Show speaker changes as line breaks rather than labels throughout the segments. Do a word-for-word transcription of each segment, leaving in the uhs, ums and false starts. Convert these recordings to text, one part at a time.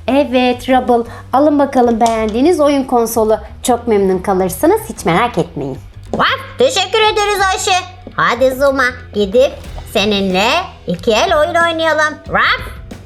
Evet Rubble, alın bakalım beğendiğiniz oyun konsolu. Çok memnun kalırsınız, hiç merak etmeyin.
Vah, teşekkür ederiz Ayşe. Hadi Zuma, gidip seninle iki el oyun oynayalım. Raf.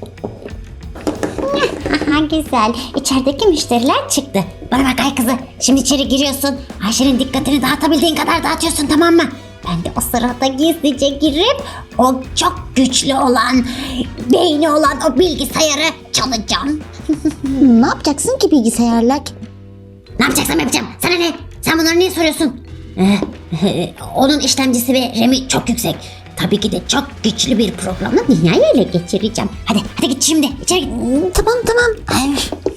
Güzel. İçerideki müşteriler çıktı. Bana bak ay kızı. Şimdi içeri giriyorsun. Ayşe'nin dikkatini dağıtabildiğin kadar dağıtıyorsun, tamam mı? Ben de o sırada gizlice girip o çok güçlü olan, beyni olan o bilgisayarı çalacağım.
Ne yapacaksın ki bilgisayarla?
Ne yapacaksam yapacağım. Sana ne? Sen bunları niye soruyorsun? Ee, onun işlemcisi ve RAM'i çok yüksek. Tabii ki de çok güçlü bir programla dünyayı ele geçireceğim. Hadi, hadi git şimdi. İçeri git.
Tamam tamam. Ay.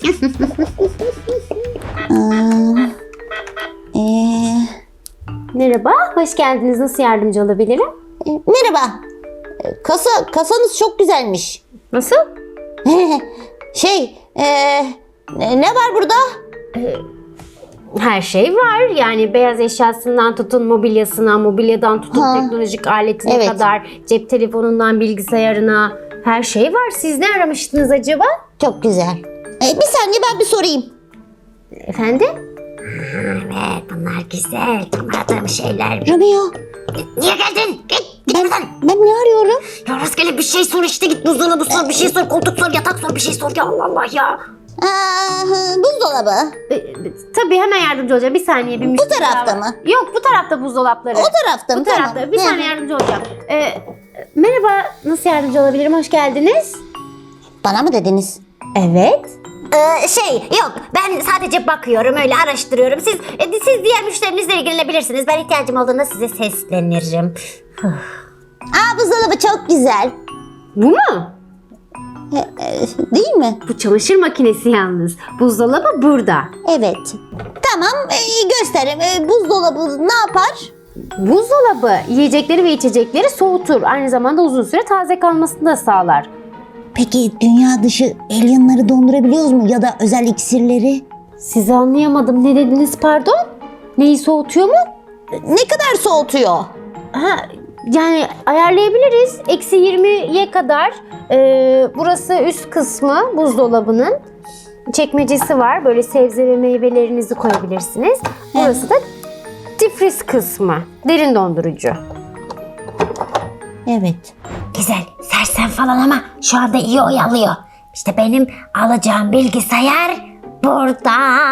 Aa, ee,
Merhaba, hoş geldiniz. Nasıl yardımcı olabilirim?
e, merhaba. E, Kasa kasanız çok güzelmiş.
Nasıl?
Şey, ee, ne ne var burada?
Her şey var. Yani beyaz eşyasından tutun mobilyasına, mobilyadan tutun
Ha.
teknolojik aletine
Evet.
kadar, cep telefonundan bilgisayarına her şey var. Siz ne aramıştınız acaba?
Çok güzel. E, bir saniye ben bir sorayım.
Efendim?
Evet, bunlar güzel. Tanımadığım şeyler.
Romeo,
Niye geldin? Git, git
ben,
buradan.
ben ne arıyorum?
Ya rastgele bir şey sor işte. Git buzdolabı sor, bir şey sor, koltuk sor, yatak sor, bir şey sor. Ya Allah Allah ya.
Aa, buzdolabı.
E, tabii hemen yardımcı olacağım. Bir saniye. Bir müşteri
tarafta
daha var.
mı?
Yok, bu tarafta buzdolapları.
O tarafta mı?
Bu tarafta.
Tamam.
Bir
Hı.
saniye yardımcı olacağım. E, merhaba, nasıl yardımcı olabilirim? Hoş geldiniz.
Bana mı dediniz?
Evet.
Ee, şey yok, ben sadece bakıyorum, öyle araştırıyorum. Siz e, siz diğer müşterinizle ilgilenebilirsiniz. Ben ihtiyacım olduğunda size seslenirim.
Aa, buzdolabı çok güzel.
Bu mu?
E, e, değil mi?
Bu çamaşır makinesi yalnız. Buzdolabı burada.
Evet. Tamam, e, gösterim. E, buzdolabı ne yapar?
Buzdolabı yiyecekleri ve içecekleri soğutur. Aynı zamanda uzun süre taze kalmasını da sağlar.
Peki dünya dışı alienları dondurabiliyoruz mu ya da özel iksirleri?
Sizi anlayamadım. Ne dediniz pardon? Neyi soğutuyor mu?
Ne kadar soğutuyor?
Ha, yani ayarlayabiliriz. Eksi yirmiye kadar. Ee, burası üst kısmı buzdolabının. Çekmecesi var. Böyle sebze ve meyvelerinizi koyabilirsiniz. Burası da difriz kısmı. Derin dondurucu.
Evet.
Güzel, sersem falan ama şu anda iyi oyalıyor. İşte benim alacağım bilgisayar burada.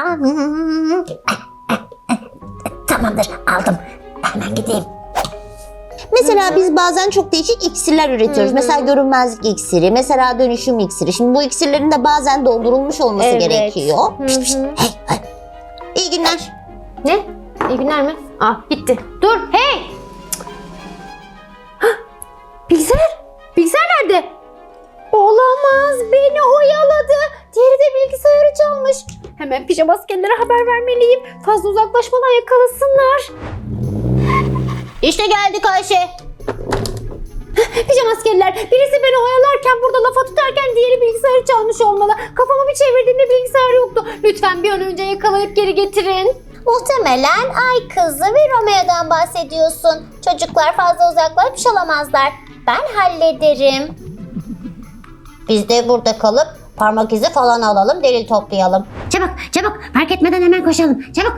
Tamamdır, aldım. Hemen gideyim.
Mesela biz bazen çok değişik iksirler üretiyoruz. Mesela görünmezlik iksiri, mesela dönüşüm iksiri. Şimdi bu iksirlerin de bazen dondurulmuş olması
Evet.
gerekiyor.
Hı
Pişt, pişt.
hı.
Hey, hey. İyi günler.
Ne? İyi günler mi? Ah gitti. Dur hey! Hah, bilgisayar. Bilgisayar nerede? Olamaz, beni oyaladı. Diğeri de bilgisayarı çalmış. Hemen pijama askerlere haber vermeliyim. Fazla uzaklaşmadan yakalasınlar.
İşte geldik Ayşe.
Pijama askerler, birisi beni oyalarken burada lafa tutarken diğeri bilgisayarı çalmış olmalı. Kafamı bir çevirdiğimde bilgisayar yoktu. Lütfen bir an önce yakalayıp geri getirin.
Muhtemelen Ay Kızı ve Romeo'dan bahsediyorsun. Çocuklar fazla uzaklaşmış olamazlar. Ben hallederim. Biz de burada kalıp parmak izi falan alalım, delil toplayalım. Çabuk, çabuk. Fark etmeden hemen koşalım. Çabuk.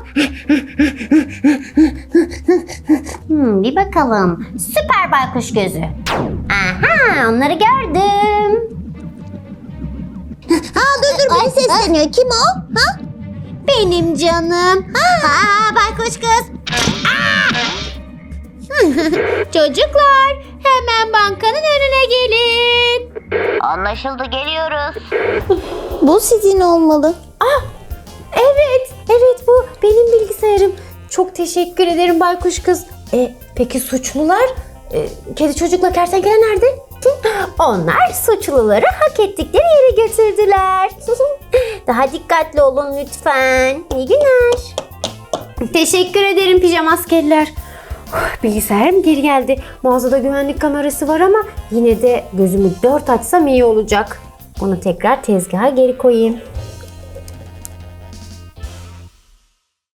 Hmm, bir bakalım. Süper baykuş gözü. Aha, onları gördüm.
Ha dur dur beni sesleniyor. Kim o? Ha?
Benim canım. Ha, baykuş kız. Çocuklar, hemen bankanın önüne gelin.
Anlaşıldı, geliyoruz. Bu sizin olmalı.
Evet, evet bu benim bilgisayarım. Çok teşekkür ederim baykuş kız. E, peki suçlular? E, kedi çocukla kertenkele nerede? Hı, onlar suçluları hak ettikleri yere götürdüler. Daha dikkatli olun lütfen. İyi günler. Teşekkür ederim pijama askerler. Uf, bilgisayarım geri geldi. Mağazada güvenlik kamerası var ama yine de gözümü dört açsam iyi olacak. Bunu tekrar tezgaha geri koyayım.